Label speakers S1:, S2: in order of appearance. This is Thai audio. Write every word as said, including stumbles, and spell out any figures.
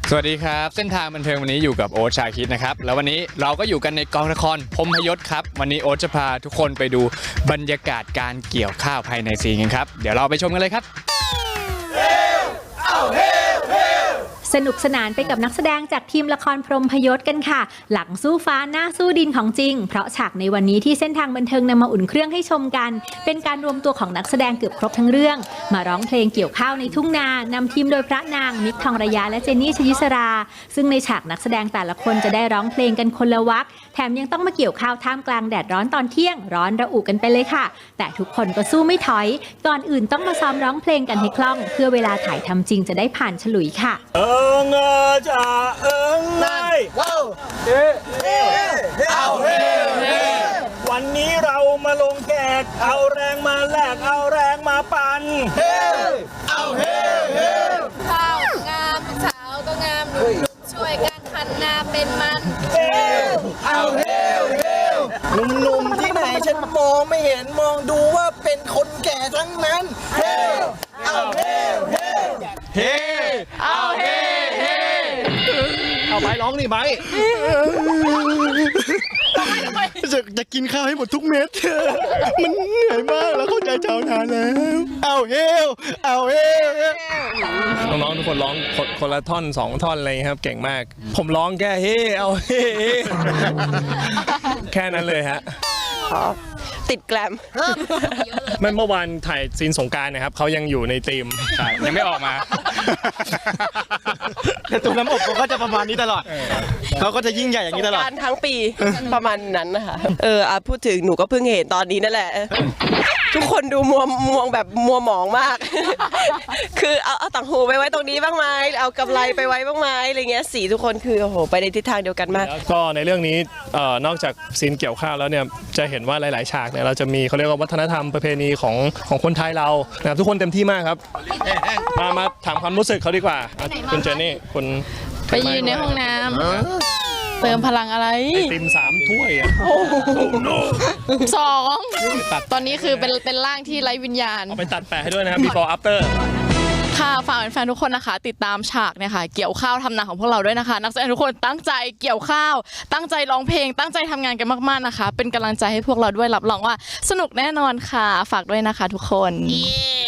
S1: สวัสดีครับเส้นทางบันเทิงวันนี้อยู่กับโอ๊ตชาคิดนะครับแล้ววันนี้เราก็อยู่กันในกองละครพรหมยศครับวันนี้โอ๊ตจะพาทุกคนไปดูบรรยากาศการเกี่ยวข้าวภายในซีนกันครับเดี๋ยวเราไปชมกันเลยครับ
S2: สนุกสนานไปกับนักแสดงจากทีมละครพรหมพยศกันค่ะหลังสู้ฟ้าหน้าสู้ดินของจริงเพราะฉากในวันนี้ที่เส้นทางบันเทิงนำมาอุ่นเครื่องให้ชมกันเป็นการรวมตัวของนักแสดงเกือบครบทั้งเรื่องมาร้องเพลงเกี่ยวข้าวในทุ่งนานำทีมโดยพระนางมิกทองระยะและเจนนี่ชยิสราซึ่งในฉากนักแสดงแต่ละคนจะได้ร้องเพลงกันคนละวรรคแถมยังต้องมาเกี่ยวข้าวท่ามกลางแดดร้อนตอนเที่ยงร้อนระอุกันไปเลยค่ะแต่ทุกคนก็สู้ไม่ถอยก่อนอื่นต้องมาซ้อมร้องเพลงกันให้คล่องเพื่อเวลาถ่ายทำจริงจะได้ผ่านฉลุยค่ะ
S3: เอิงเออจะเอิงไงว้าวเฮ้เฮ้เอาเฮ้เฮ้วันนี้เรามาลงแขกเอาแรงมาแลกเอาแรงมาปั่นเฮ้เอาเฮ้เฮ้
S4: ข้าวงามสาวก็งามหนุ่มช่วยกันคันนาเป็นมัน
S3: เฮ้เอาเฮ้เฮ้หนุ่มๆที่ไหนฉันมองไม่เห็นมองดูว่าเป็นคนแก่ทั้งนั้นเฮ้เอาเฮ้เฮ้
S1: เฮ้เอาเฮ้เฮ้
S3: เอาไปร้องนี่ไปจะจะกินข้าวให้หมดทุกเม็ดมันเหนื่อยมากแล้วเข้าใจชาวนานแล้วเอาเฮลเอาเฮล
S5: น้องๆทุกคนร้องคนละท่อนสองท่อนอะไรครับเก่งมากผมร้องแค่เฮ้เอาเฮ้แค่นั้นเลยฮะ
S6: ติดแกลม
S5: ไม่เมื่อวานถ่ายซีนสงกรานต์นะครับเขายังอยู่ในธีม
S1: ใช่ยังไม่ออกมา
S3: แต่ตัวน้ำอบเขาก็จะประมาณนี้ตลอดเขาก็จะยิ่งใหญ่อย่างนี้ตลอด
S6: สงกรานต์ทั้งปีประมาณนั้นนะคะเอออ่ะพูดถึงหนูก็เพิ่งเห็นตอนนี้นั่นแหละทุกคนดูมัวมัวแบบมัวหมองมากคือเอาเอาต่างหูไปไว้ตรงนี้บ้างไหมเอากำไรไปไว้บ้างไหมอะไรเงี้ยสีทุกคนคือโอ้โหไปในทิศทางเดียวกันมาก
S5: ก็ในเรื่องนี้นอกจากซีนเกี่ยวข้าวแล้วเนี่ยจะเห็นว่าหลายๆฉากเนี่ยเราจะมีเขาเรียกว่าวัฒนธรรมประเพณีของของคนไทยเรานะครับทุกคนเต็มที่มากครับมามาถามความรู้สึกเขาดีกว่าคุณเจนนี่คุณ
S4: ไปยืนในห้องน้ำเติมพลังอะไร
S5: ไอติมสามถ้วยอ่ะ
S4: สองตอนนี้คือเป็นเป็นร่างที่ไร้วิญญาณ
S5: เอาไปตัดแปะให้ด้วยนะครับ before after
S4: ค่ะฝากแฟนๆทุกคนนะคะติดตามฉากเนี่ยค่ะเกี่ยวข้าวทำนาของพวกเราด้วยนะคะนักแสดงทุกคนตั้งใจเกี่ยวข้าวตั้งใจร้องเพลงตั้งใจทำงานกันมากๆนะคะเป็นกำลังใจให้พวกเราด้วยรับรองว่าสนุกแน่นอนค่ะฝากด้วยนะคะทุกคน